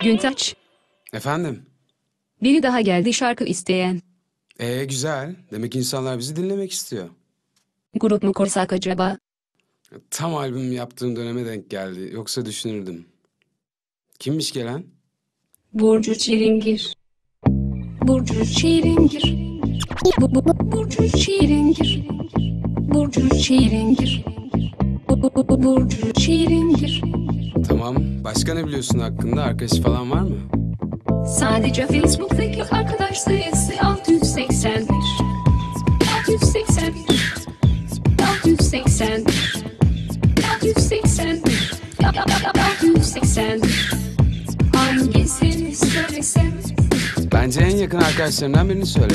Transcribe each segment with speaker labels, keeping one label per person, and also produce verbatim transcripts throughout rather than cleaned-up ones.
Speaker 1: Güntaç,
Speaker 2: Efendim?
Speaker 1: biri daha geldi şarkı isteyen.
Speaker 2: Ee güzel. Demek insanlar bizi dinlemek istiyor.
Speaker 1: Grup mu kursak acaba?
Speaker 2: Tam albüm yaptığım döneme denk geldi. Yoksa düşünürdüm. Kimmiş gelen?
Speaker 1: Burcu Çilingir. Burcu Çilingir. Bu, bu, bu, Burcu Çilingir. Burcu Çilingir. Bu, bu, bu, Burcu Çilingir.
Speaker 2: Tamam. Başka ne biliyorsun hakkında? Arkadaşı falan var mı?
Speaker 1: Sadece Facebook'taki arkadaş sayısı altı yüz seksen bir. altı yüz seksen bir. altı yüz seksen bir. altı yüz seksen bir. altı yüz seksen bir. Hangisini söylesem?
Speaker 2: Bence en yakın arkadaşlarından birini söyle.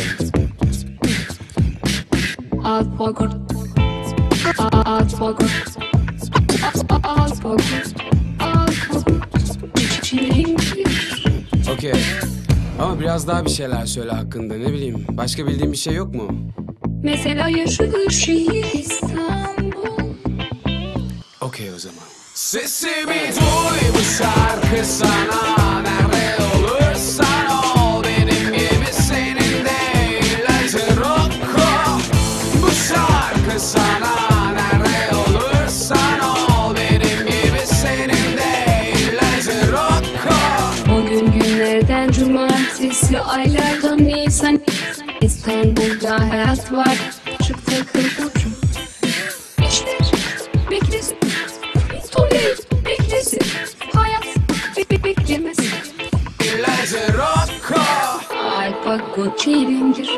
Speaker 1: Alpogor. Alpogor. Alpogor. Alpogor. Çilingir.
Speaker 2: Okey. Ama biraz daha bir şeyler söyle hakkında. Ne bileyim. Başka bildiğin bir şey yok mu?
Speaker 1: Mesela yaşadığı şehir İstanbul.
Speaker 2: Okey o zaman. Sesimi duy, bu şarkı sana. Nerede olursan ol, benim gibi senin de ilacın Rocco. Bu şarkı sana. Nerede olursan ol, benim gibi senin de ilacın Rocco.
Speaker 1: Bugün günlerden cumartesi, aylardan Nisan. İstanbul'da hayat var, çık takıl ucu. İşler beklesin, Toley beklesin. Hayat be be beklemesin.
Speaker 2: İlacın Rocco.
Speaker 1: Alpago Çilingir.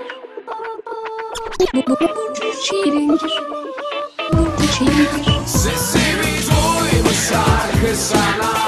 Speaker 1: Bu bu Burcu Çilingir. Burcu Çilingir.
Speaker 2: Sesimi duy, bu şarkı sana.